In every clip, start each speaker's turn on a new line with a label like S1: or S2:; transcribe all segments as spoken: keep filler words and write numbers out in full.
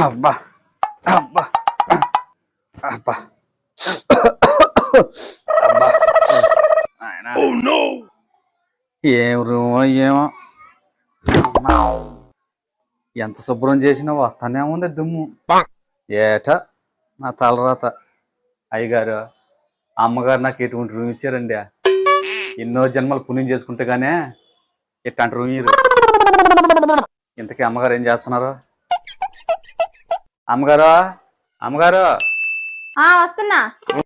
S1: అబ్బా అబ్బా అబ్బా అబ్బా ఏం రూమో ఏమో ఎంత శుభ్రం చేసినా వస్తానే ఉంది దుమ్ము. ఏట నా తలరాత. అయ్యగారు అమ్మగారు నాకు ఎటువంటి రూమ్ ఇచ్చారండి. ఎన్నో జన్మలు పుణ్యం చేసుకుంటే గానే ఇట్లాంటి రూమ్ ఇయ్యరు. ఇంతకీ అమ్మగారు ఏం చేస్తున్నారు? అమ్మగారు అమ్మగారు
S2: వస్తున్నా.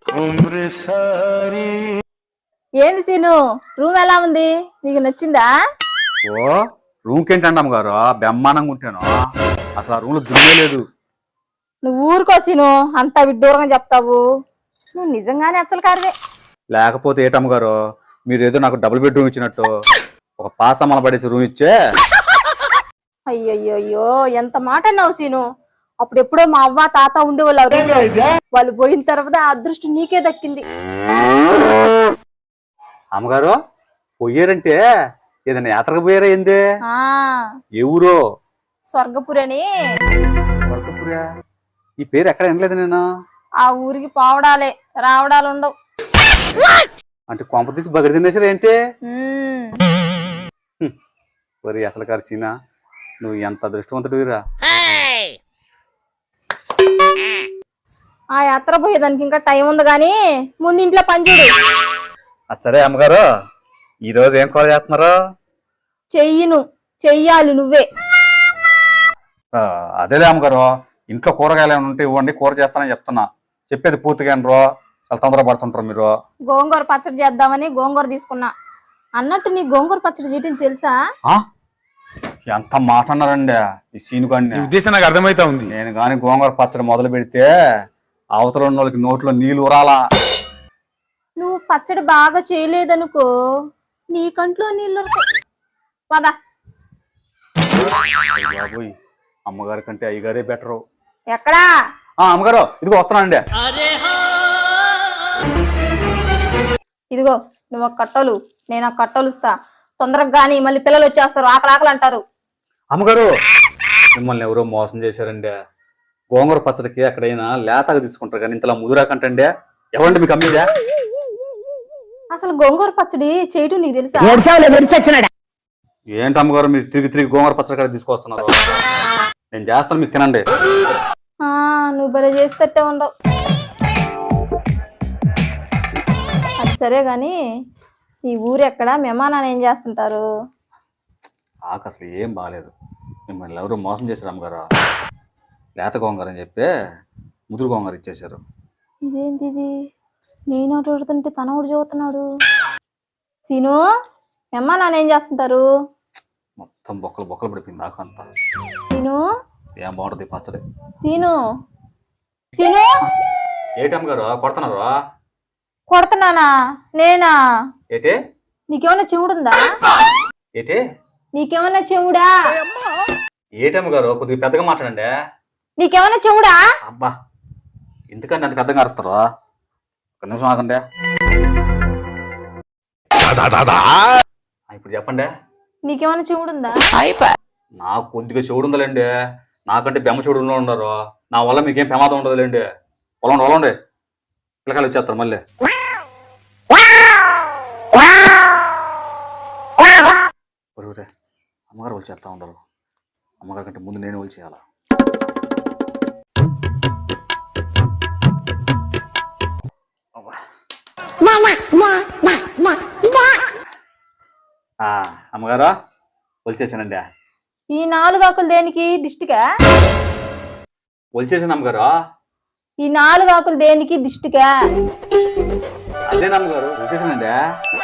S2: ఏంది సీను, రూమ్ ఎలా ఉంది? నీకు నచ్చిందా?
S1: ఓ రూమ్కి ఏంటండి అమ్మగారు, బ్రహ్మాండంగా ఉంటాను. అసలు ఆ రూమ్ లో దుమ్మే లేదు.
S2: నువ్వు ఊరుకో సీను, అంత విడ్డూరంగా చెప్తావు. నువ్వు నిజంగానే అచ్చలు కారువే.
S1: లేకపోతే ఏటమ్మగారు, మీరు ఏదో నాకు డబుల్ బెడ్రూమ్ ఇచ్చినట్టు ఒక పాసమ్మల పడేసి రూమ్ ఇచ్చే.
S2: అయ్యయ్యో ఎంత మాట అన్నావు సీను. అప్పుడు ఎప్పుడో మా అవ్వ తాత ఉండేవాళ్ళు. వాళ్ళు పోయిన తర్వాత ఆ అదృష్టం నీకే దక్కింది.
S1: అమ్మగారు పోయారంటే ఏదైనా యాత్రకు పోయారా ఏంది?
S2: ఆ
S1: ఎవరో
S2: స్వర్గపురి అని.
S1: స్వర్గపురా? ఈ పేరు ఎక్కడ వినలేదు నేను.
S2: ఆ ఊరికి పోవడాలే రావడాలు ఉండవు.
S1: అంటే కొంప తీసి బగడి తినేసారు ఏంటి?
S2: ఉమ్.
S1: వరి అసలు కాదు సీనా, నువ్వు ఎంత అదృష్టవంతుడివిరా.
S2: ఆ యాత్ర పోయేదానికి ఇంకా టైం ఉంది గాని ముందు ఇంట్లో పని చూడు.
S1: సరే అమ్మగారు, ఈ రోజు ఏం కూర చేస్తున్నారు?
S2: చెయ్యను, చెయ్యాలి నువ్వే.
S1: అదేలే అమ్మగారు, ఇంట్లో కూరగాయలు ఏమైనా ఉంటే ఇవ్వండి, కూర చేస్తానని చెప్తున్నా. చెప్పేది పూర్తిగా రో చాలా తొందర పడుతుంటారు మీరు.
S2: గోంగూర పచ్చడి చేద్దామని గోంగూర తీసుకున్నా. అన్నట్టు నీ గోంగూర పచ్చడి చేయటం తెలుసా?
S1: ఎంత మాట అన్నారండి ఈ సీను గాని.
S3: ఉద్దేశం నాకు అర్థమైతా ఉంది.
S1: నేను గాని గోంగూర పచ్చడి మొదలు పెడితే అవతల ఉన్న వాళ్ళకి నోట్లో నీళ్ళు ఊరాలా.
S2: నువ్వు పచ్చడి బాగా చేయలేదనుకో, నీ కంట్లో నీళ్ళు పదా.
S1: బాబోయ్, అమ్మగారి కంటే అయ్యగారే బెటరు.
S2: ఎక్కడా?
S1: అమ్మగారు ఇదిగో వస్తున్నానండి.
S2: ఇదిగో నువ్వు ఒక కట్టలు, నేను ఆ కట్టలు ఇస్తా. తొందరగా గాని మళ్ళీ పిల్లలు వచ్చేస్తారు, ఆకలి ఆకలి అంటారు.
S1: అమ్మగారు మిమ్మల్ని ఎవరో మోసం చేశారండి. గోంగూర పచ్చడికి ఎక్కడైనా లేతగా తీసుకుంటారు కానీ ఇంతలా ముదురాకంటండి. ఎవరండి మీకు అమ్మేదా?
S2: అసలు గోంగూర పచ్చడి చేయటం నీకు తెలుసా?
S1: ఏంటి అమ్మగారు మీరు తిరిగి తిరిగి గోంగూర పచ్చడి కాడ తీసుకొస్తున్నారు? నేను చేస్తాను, మీకు తినండి.
S2: నువ్వు భలే చేసేటట్టే ఉండవు. అది సరే గాని ఈ ఊరు ఎక్కడ, మేమా నాన్న ఏం చేస్తుంటారు?
S1: ఆకు అసలు ఏం బాగాలేదు. మిమ్మల్ని ఎవరు మోసం చేశారు అమ్మగారు. లేత గోంగూర అని చెప్పి ముదురు గోంగూర ఇచ్చేశారు.
S2: ఇదేంటి ఇది? నేను అటు పడుతుంటే తన ఊడు చదువుతున్నాడు. సీను, మేమా నాన్న ఏం చేస్తుంటారు?
S1: మొత్తం బొక్కలు బొక్కలు పడిపోయింది ఆకు అంతా.
S2: సీను
S1: ఏం బాగుంటుంది పచ్చడి.
S2: సీను సీను
S1: ఏటమ్మగారు కొడుతున్నారు?
S2: కొడుతున్నానా? నేనా?
S1: ఏటే?
S2: నీకేమన్నా చెవుడుందా?
S1: ఏటే?
S2: నీకేమన్నా చెవుడా?
S1: ఏటమ్మగారు కొద్దిగా పెద్దగా మాట్లాడండి.
S2: నీకేమన్నా చెవుడా?
S1: అబ్బా ఎందుకండి అంత పెద్దగా అరుస్తారు? ఒక నిమిషం ఆగండి. ఇప్పుడు చెప్పండి.
S2: నీకేమన్నా చెవుడుందా?
S1: నాకు కొద్దిగా చెవుడు ఉందలేండి. నాకంటే బెమ్మ చెవుడు ఉన్నారు. నా వల్ల మీకేం ప్రమాదం ఉండదులేండి. పొలండి పొలండి, పిల్లకాయలు వచ్చేస్తారు మళ్ళీ. అమ్మగారు వాళ్ళు చేస్తా ఉండరు. అమ్మగారి కంటే ముందు నేను వాళ్ళు చేయాలా? అమ్మగారు వచ్చేసానండి.
S2: ఈ నాలుగు ఆకులు దేనికి? దిష్టికా?
S1: వచ్చేసాను అమ్మగారు.
S2: ఈ నాలుగు ఆకులు దేనికి? దిష్టికా?
S1: అదేనా అమ్మగారు వచ్చేసానండి.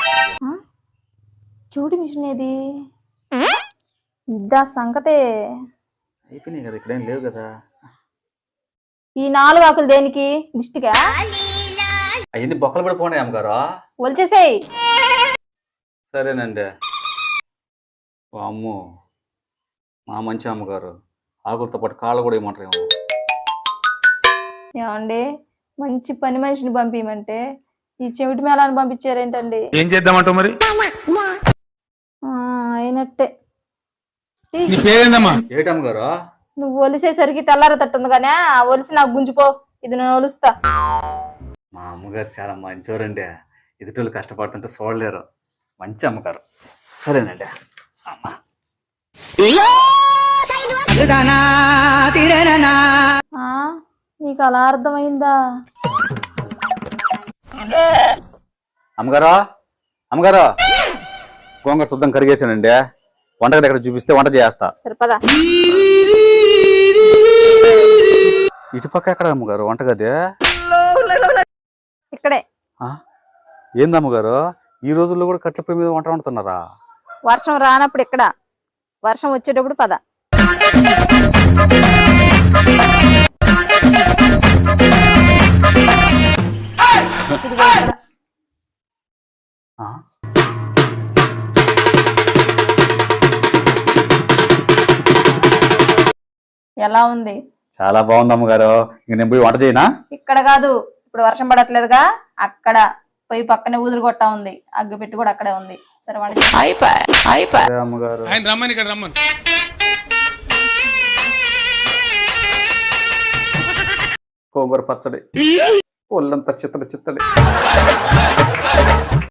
S2: చూడు మిషన్ ఏది? ఇద్దా సంగతే.
S1: అయిపోయినాయి కదా, ఇక్కడేం లేవు కదా.
S2: ఈ నాలుగు ఆకులు దేనికి? దిష్టికా?
S1: అయ్యింది బొక్కలు పడిపోయినాయి అమ్మగారు.
S2: వచ్చేసేయ్.
S1: సరేనండి. అమ్మో మా మంచి అమ్మగారు ఆకులతో పాటు కాళ్ళు కూడా ఏమంటారు?
S2: ఏమండి మంచి పని మనిషిని పంపించమంటే ఈ చెవిటి మేళాన్ని పంపించారేంటండి?
S3: ఏం చేద్దామంటావు మరి?
S2: అయినట్టే.
S3: నీ పేరేందమ్మా?
S1: ఏటమ్మగారు
S2: నువ్వు ఒలిసేసరికి తెల్లారతట్టుంది కానీ ఆ ఒలిసి నాకు గుంజిపో, ఇది నేను ఒలుస్తా.
S1: మా అమ్మగారు చాలా మంచివారండి. ఎదుటోళ్ళు కష్టపడుతుంటే చూడలేరు. మంచి అమ్మగారు. సరేనండి అమ్మ.
S2: ఆ, నీకు అలా అర్థమైందా?
S1: అమ్మగారు అమ్మగారు గోంగూర శుద్ధం కడిగేసానండి. వంటగది దగ్గర చూపిస్తే వంట చేస్తా.
S2: సరిపదా?
S1: ఇటుపక్క ఎక్కడ అమ్మగారు వంటగది?
S2: ఇక్కడే.
S1: ఆ? ఏందమ్మగారు ఈ రోజుల్లో కూడా కట్ల పొయ్యి మీద వంట వండుతున్నారా?
S2: వర్షం రానప్పుడు ఇక్కడ, వర్షం వచ్చేటప్పుడు పద. ఇదిగో ఇక్కడ.
S1: ఆ?
S2: ఎలా ఉంది?
S1: చాలా బాగుంది అమ్మగారు. ఇంక నేను పోయి వంట చేయనా?
S2: ఇక్కడ కాదు, ఇప్పుడు వర్షం పడట్లేదుగా, అక్కడ పోయి పక్కనే ఊదురు కొట్టా ఉంది, అగ్గి పెట్టి కూడా అక్కడే ఉంది. సరే వంట చేయి.
S1: సరే అమ్మగారు.
S3: ఆయన రమ్మని ఇక్కడ రమ్మని.
S1: గోంగూర పచ్చడి ఒళ్ళంతా చిత్తడి చిత్తడి.